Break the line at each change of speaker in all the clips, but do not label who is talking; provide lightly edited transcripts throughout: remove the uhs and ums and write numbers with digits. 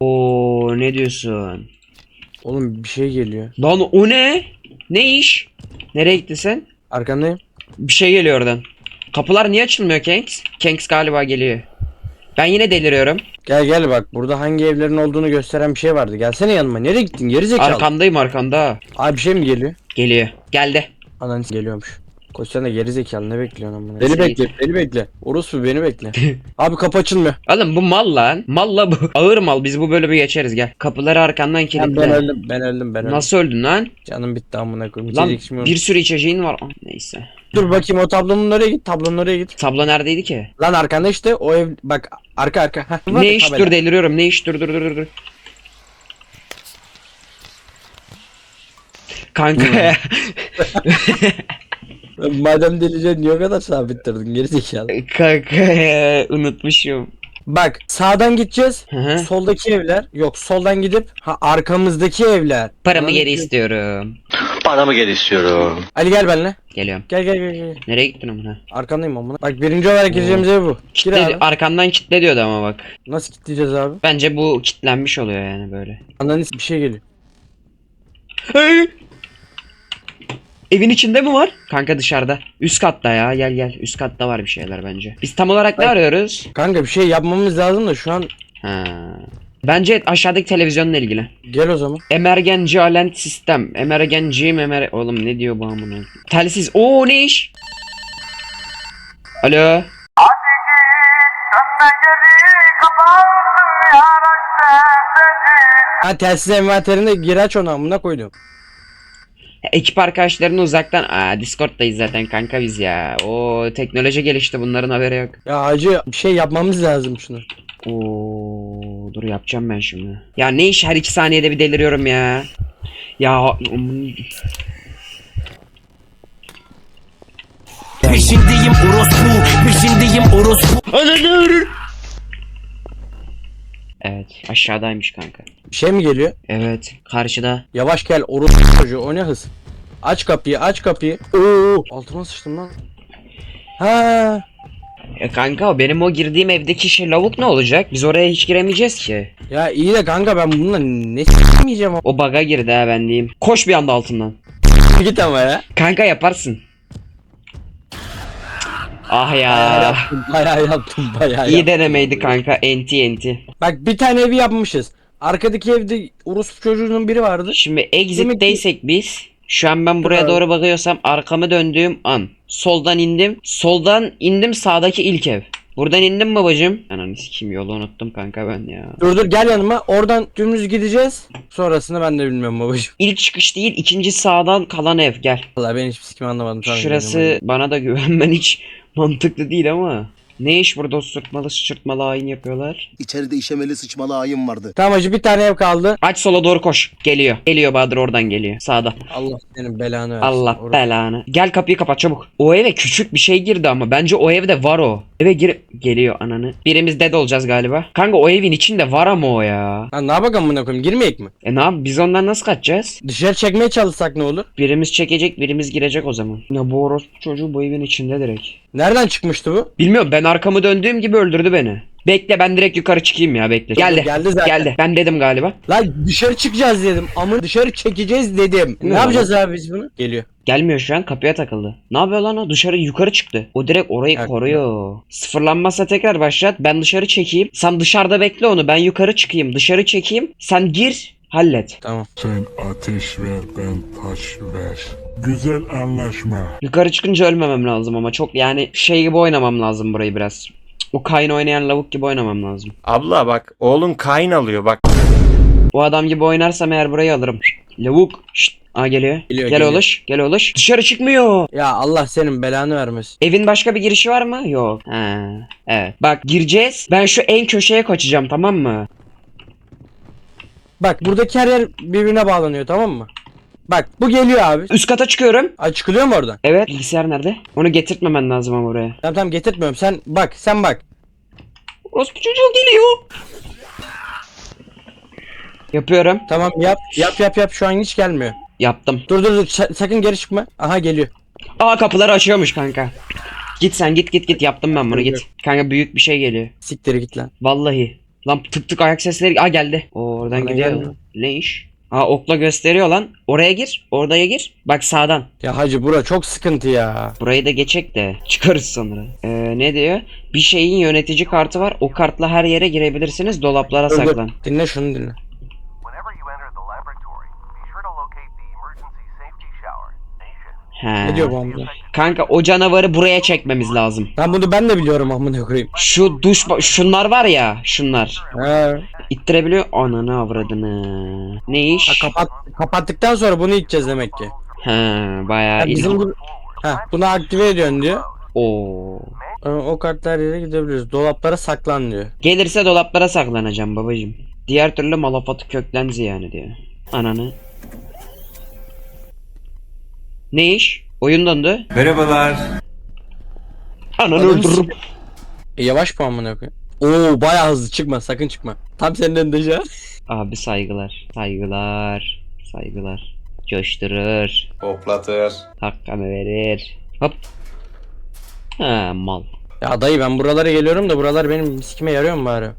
Oo, ne diyorsun?
Oğlum bir şey geliyor.
Lan o ne? Ne iş? Nereye gittin sen?
Arkandayım.
Bir şey geliyor oradan. Kapılar niye açılmıyor Kenks? Kenks galiba geliyor. Ben yine deliriyorum.
Gel gel bak burada hangi evlerin olduğunu gösteren bir şey vardı. Gelsene yanıma. Nereye gittin? Geri zekalı.
Arkandayım arkanda.
Abi bir şey mi geliyor?
Geliyor. Geldi.
Anan geliyormuş. Koş sen de geri zekalı ne bekliyorsun amına?
Nasıl
Beni bekle, beni bekle. Orospu beni bekle. Abi kapı açılmıyor.
Oğlum bu mal lan. Malla bu. Ağır mal. Biz bu bölümü geçeriz gel. Kapıları arkandan kilitle.
Ben öldüm, ben öldüm, ben öldüm.
Nasıl öldün lan?
Canım bitti amına koyayım.
Lan
İçecek içmiyorum.
bir sürü içeceğin var. Ah, neyse.
Dur bakayım o tablonun oraya git, tablonun oraya git.
Tablo neredeydi ki?
Lan arkanda işte o ev bak arka. Heh, var
Ne
ya,
iş
tabela.
dur deliriyorum. Ne iş dur. Kanka.
Madem delicen niye o kadar sabittirdin geri zekalı.
Kanka unutmuşum.
Bak sağdan gideceğiz.
Hı hı.
Soldaki evler. Yok soldan gidip arkamızdaki evler.
Paramı
Anladın
geri
mı?
istiyorum.
Paramı geri istiyorum.
Ali gel benimle.
Geliyorum.
Gel.
Nereye gittin amına?
Arkandayım amına. Bak birinci olarak gireceğimiz ev bu. Gir
Kitle,
abi.
arkandan kitle diyordu ama bak.
Nasıl kilitleyeceğiz abi?
Bence bu kitlenmiş oluyor yani böyle.
Ananı bir şey geliyor.
Hey! Evin içinde mi var? Kanka dışarıda. Üst katta ya. Gel. Üst katta var bir şeyler bence. Biz tam olarak ne
Bak-
arıyoruz?
Kanka bir şey yapmamız lazım da şu an
Ha. Bence aşağıdaki televizyonla ilgili.
gel o zaman.
Emergency Alert Sistem. Oğlum ne diyor bu amına? Telsiz. Oo ne iş? Alo.
Ha telsiz envanterinde gir aç onu amına koydum.
Ekip arkadaşlarını uzaktan. Discord'dayız zaten kanka biz ya. O teknoloji gelişti bunların haberi yok.
Ya hacı bir şey yapmamız lazım şunu.
Oo, dur yapacağım ben şimdi. Ya ne iş her 2 saniyede bir deliriyorum ya. Ya
Peşindeyim orospu.
evet aşağıdaymış kanka.
Bir şey mi geliyor?
Evet karşıda.
Yavaş gel orospu çocuğu o ne hız. Aç kapıyı. Oo altıma sıçtım lan. Ha
Kanka o benim o girdiğim evdeki şey lavuk ne olacak? Biz oraya hiç giremeyeceğiz ki.
ya iyi de kanka ben bununla ne s**meyeceğim
O bug'a girdi ha ben diyeyim. Koş bir anda altından.
git ama ya.
Kanka yaparsın. Ah
Bayağı
ya.
yaptım bayağı
İyi
yaptım.
denemeydi kanka. Enti.
Bak bir tane evi yapmışız. Arkadaki evde orospu çocuğunun biri vardı.
Şimdi
Demek
exit'teysek biz. Şu an ben buraya
Abi.
doğru bakıyorsam arkamı döndüğüm an. Soldan indim sağdaki ilk ev. Buradan indim babacım. Ananı sikeyim yolu unuttum kanka ben ya.
Dur gel yanıma. Oradan dümdüz gideceğiz. Sonrasını ben de bilmiyorum babacığım.
İlk çıkış değil ikinci sağdan kalan ev gel.
Vallahi ben hiçbir sikim anlamadım. Tamam,
Şurası
gidiyorum
bana da güvenmen hiç mantıklı değil ama. Ne iş burada sırtmalı sıçırtmalı hain yapıyorlar?
İçeride işemeli sıçmalı ayım vardı.
hadi. Tamam hacı bir tane ev kaldı.
Aç sola doğru koş. Geliyor Bahadır oradan geliyor. Sağda.
Allah senin belanı versin.
Allah
Orası-
belanı. Gel kapıyı kapat çabuk. O eve küçük bir şey girdi ama bence o evde var o. Eve geliyor ananı. Birimiz dead olacağız galiba. Kanka o evin içinde var ama o ya.
Lan ne yapalım amına koyayım girmeyek mi?
Ne yap biz ondan nasıl kaçacağız?
Dışarı çekmeye çalışsak ne olur?
Birimiz çekecek birimiz girecek o zaman. Ya bu orospu çocuğu bu evin içinde direkt.
Nereden çıkmıştı bu?
Bilmiyorum ben arkamı döndüğüm gibi öldürdü beni. Bekle ben direkt yukarı çıkayım ya bekle. Geldi.
Geldi zaten.
Geldi. Ben dedim galiba.
Lan dışarı çıkacağız dedim. Ama dışarı çekeceğiz dedim.
Ne
Ne yapacağız abi biz bunu? Geliyor.
Gelmiyor şu an kapıya takıldı. Ne yapıyor lan o? Dışarı yukarı çıktı. O direkt orayı
Ya,
koruyor. Sıfırlanmazsa tekrar başlat. Ben dışarı çekeyim. Sen dışarıda bekle onu. Ben yukarı çıkayım. Dışarı çekeyim. Sen gir. Hallet.
Tamam.
Sen ateş ver, ben taş ver. Güzel anlaşma.
Yukarı çıkınca ölmemem lazım ama çok yani şey gibi oynamam lazım burayı biraz. O Kayn oynayan lavuk gibi oynamam lazım.
Abla bak oğlun Kayn alıyor bak.
Bu adam gibi oynarsam eğer burayı alırım. Lavuk. Şşt. Geliyor.
Geliyor.
Gel oluş. Dışarı çıkmıyor.
Ya Allah senin belanı vermesin.
Evin başka bir girişi var mı? Yok. Ha, evet. Bak gireceğiz. Ben şu en köşeye kaçacağım tamam mı?
Bak buradaki her yer birbirine bağlanıyor tamam mı? Bak bu geliyor abi.
Üst kata çıkıyorum.
Ay çıkılıyor mu oradan?
Evet. Bilgisayar nerede? Onu getirtmemen lazım ama buraya.
Tamam getirtmiyorum. Sen bak.
Orospu çocuğu geliyor. Yapıyorum.
Tamam yap şu an hiç gelmiyor.
Yaptım.
Dur sakın geri çıkma. Aha geliyor.
Kapıları açıyormuş kanka. Git sen git yaptım ben bunu git. Kanka büyük bir şey geliyor.
Siktir git lan.
Vallahi. Lan tık tık ayak sesleri. Aa geldi. O oradan
Bana
gidiyor.
gelmiyor.
Ne iş? Aa okla gösteriyor lan. Oraya gir. Oraya gir. Bak sağdan.
Ya hacı bura çok sıkıntı ya.
Burayı da geçecek de çıkarız sonra. Ne diyor? Bir şeyin yönetici kartı var. O kartla her yere girebilirsiniz. Dolaplara
Dur, dur.
saklan.
Dinle şunu dinle.
Whenever you enter the laboratory, be sure to locate the emergency safety shower.
He.
Ne diyor bu amca?
Kanka o canavarı buraya çekmemiz lazım.
Ben de biliyorum amına koyayım.
Şu şunlar var ya, şunlar.
He.
İttirebiliyor. Ananı avradını. Ne iş?
Kapattıktan sonra bunu içeceğiz demek ki.
He, bayağı
Ya bizim bu... bunu aktive ediyorsun diyor.
Oo.
O kartlar yere gidebiliriz. Dolaplara saklan diyor.
Gelirse dolaplara saklanacağım babacım. Diğer türlü malafatı köklen yani diyor. Ananı. Ne iş? Oyun dondu.
Merhabalar.
Ananı öldürürüm.
Yavaş bu amına koyayım. Oo bayağı hızlı çıkma sakın çıkma. Tam senin önünde şu an.
Abi saygılar. Saygılar. Saygılar. Coşturur.
Hoplatır.
Hakkını verir. Hop. Ha mal.
Ya dayı ben buralara geliyorum da buralar benim sikime yarıyor mu bari?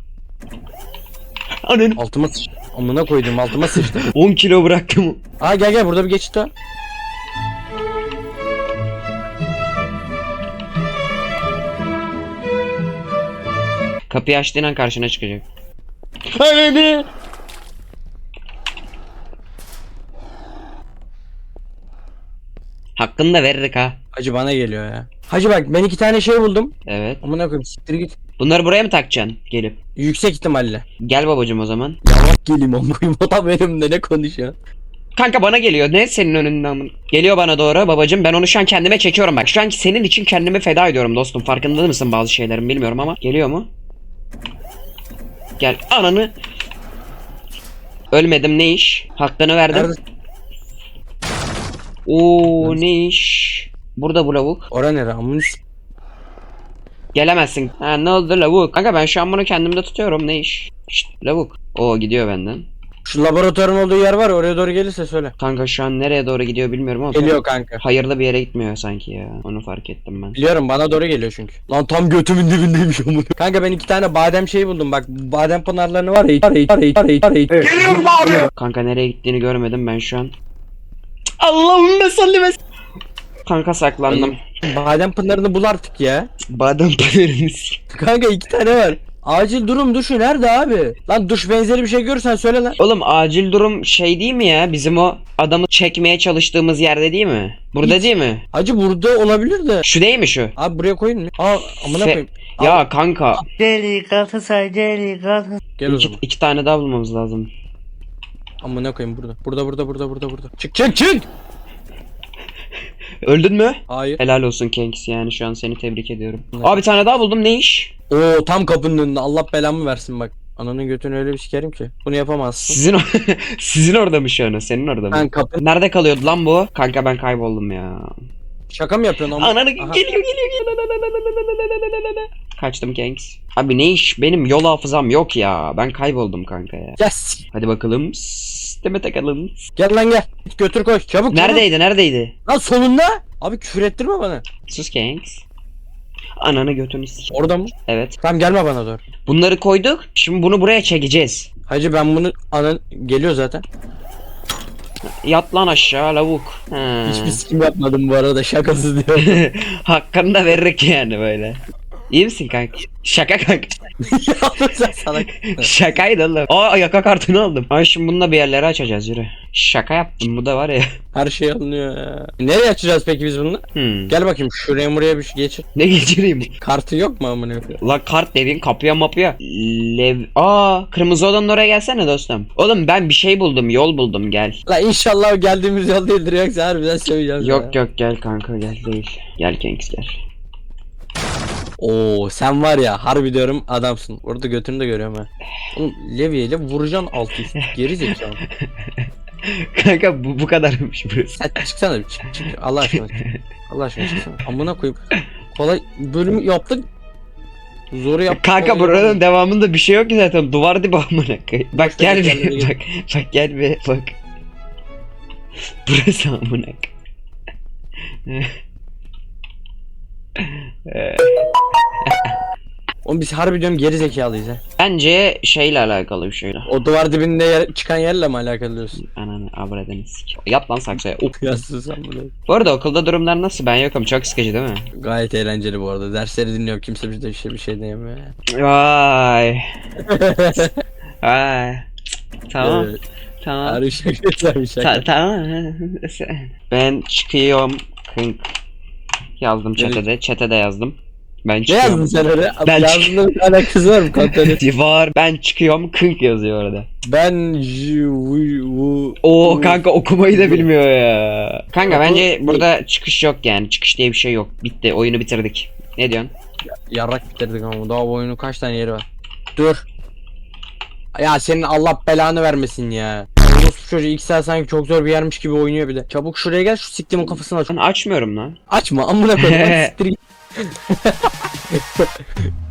Ananı.
Altıma sıçtı. Amına koydum altıma sıçtı.
10 kilo bıraktım.
Aa gel burada bir geçit var.
Kapıyı açtığın an karşına çıkacak. Ananı. Hakkını da veririk ha.
Hacı bana geliyor ya. Hacı bak ben 2 tane şey buldum.
Evet.
Amına koyayım siktir git.
Bunları buraya mı takacaksın gelip?
Yüksek ihtimalle.
Gel babacım o zaman.
Yavaş geleyim amına koyayım. O da benimle ne konuşuyor?
Kanka bana geliyor. Ne senin önünden? Geliyor bana doğru babacım. Ben onu şu an kendime çekiyorum bak. Şu an senin için kendimi feda ediyorum dostum. Farkında mısın bazı şeylerin bilmiyorum ama. Geliyor mu? Gel. Ananı. Ölmedim ne iş? Hakkını verdim.
Nerede?
Oo ne iş? Burada bu lavuk.
Ora nere amına
Gelemezsin. Ha ne oldu lavuk? Kanka ben şu an bunu kendimde tutuyorum ne iş? Şşt lavuk. Oo gidiyor benden.
Şu laboratuvarın olduğu yer var ya, oraya doğru gelirse söyle.
Kanka şu an nereye doğru gidiyor bilmiyorum ama.
Geliyor kanka.
Hayırlı bir yere gitmiyor sanki ya. Onu fark ettim ben.
Biliyorum bana doğru geliyor çünkü. Lan tam götümün dibindeymiş amına. Kanka ben 2 tane badem şeyi buldum bak. Badem pınarlarını var ya.
Kanka nereye gittiğini görmedim ben şu an. Allahümme salli ve kanka saklandım.
Badem pınarını bul artık ya.
Badem pınarını
Kanka 2 tane var. Acil durum duşu nerede abi? Lan duş benzeri bir şey görürsen söyle lan.
Oğlum acil durum şey değil mi ya? Bizim o adamı çekmeye çalıştığımız yerde değil mi? Burada
Hiç.
değil mi?
Hacı burada olabilir de.
Şu değil mi şu?
Abi buraya koyun mu? Aa amına
Fe-
koyayım.
Ya kanka
Gel o
iki,
zaman.
2 tane daha bulmamız lazım.
Amına koyayım burada. Burada. Çık.
Öldün mü?
Hayır.
Helal olsun Kenks yani şu an seni tebrik ediyorum. Abi bir tane daha buldum ne iş?
Oo tam kapının önünde. Allah belamı versin bak. Ananın götünü öyle bir sikerim ki. Bunu yapamazsın.
Sizin orada mı şu an? Senin orada mı?
Ben kapı.
Nerede kalıyordu lan bu? Kanka ben kayboldum ya.
Şaka mı yapıyorsun ama?
Ananı
Aha.
geliyor. Kaçtım Kenks. Abi ne iş? Benim yol hafızam yok ya. Ben kayboldum kanka ya.
Yes.
Hadi bakalım. Deme takalım.
Gel lan gel. Git götür koy. Çabuk.
Neredeydi?
Lan sonunda. Abi küfür ettirme bana.
Sus Kenks. Ananı götünü s**.
Orada mı?
Evet.
Tamam gelme bana doğru.
Bunları koyduk. Şimdi bunu buraya çekeceğiz.
Hacı ben bunu anan geliyor zaten.
Yat lan aşağı lavuk. Ha.
Hiçbir sikim yapmadım bu arada şakasız diyor.
Hakkını da veririk yani böyle. İyi misin kanka? Şaka kanka.
Yaptın sen salak.
Şakaydı oğlum. Aa yaka kartını aldım. Ay şimdi bununla bir yerleri açacağız yürü. Şaka yaptım bu da var ya.
Her şey alınıyor ya. Nereye açacağız peki biz bunu? Gel bakayım şuraya buraya bir şey geçir.
Ne geçireyim?
Kartı yok mu amına koyayım?
La kart dediğin kapıya mapıya. Kırmızı odanın oraya gelsene dostum. Oğlum ben bir şey buldum yol buldum gel.
La inşallah o geldiğimiz yol değildir yoksa harbiden söyleyeceğiz.
Yok gel kanka gel değil. Gel Kenks gel.
Oo sen var ya harbi diyorum adamsın. Orada götünü de görüyorum ha. Oğlum levyeyle vuracaksın alt üst. Geri zekalı.
Kanka bu kadarmış burası.
Sen çıksana bir çık. Allah aşkına çık. Allah aşkına çıksana. Amına koyup kolay bölümü yaptık. Zoru yaptık.
Kanka
kolay
buranın
yapamadık.
devamında bir şey yok ki zaten. Duvar dibi amına koyayım. Bak gel
kendine
bir
gel.
bak gel bir bak. Burası amına koyayım.
Oğlum biz harbi diyorum geri zekalıyız ha.
Bence şeyle alakalı bir şey.
O duvar dibinde çıkan yerle mi alakalı diyorsun?
Ananı avradınız. Yap lan saksıya.
Yazsın sen bunu.
Bu arada okulda durumlar nasıl? Ben yokum. Çok sıkıcı değil mi?
Gayet eğlenceli bu arada. Dersleri dinliyor. Kimse bizde bir şey diyemiyor.
Vay. Vay. Tamam.
Evet.
Tamam.
Harbi şaka şaka.
Tamam. Ben çıkıyorum. Kınk. Yazdım chat'e. Chat'e de yazdım. Ben
Ne
çıkıyorum.
yazdın sen öyle?
Ben
Yazdığında bir alakası var mı kontrolü?
Var. Ben çıkıyorum. Kınk yazıyor orada.
Ben
Oo kanka okumayı da bilmiyor ya. Kanka bence burada çıkış yok yani. Çıkış diye bir şey yok. Bitti. Oyunu bitirdik. Ne diyorsun?
Yarrak bitirdik ama daha bu oyunun kaç tane yeri var? Dur. Ya senin Allah belanı vermesin ya. Orospu çocuğu ilk saat sanki çok zor bir yermiş gibi oynuyor bir de. Çabuk şuraya gel şu siktimin kafasını aç.
Ben açmıyorum lan.
Açma amına koyayım. Siktir git.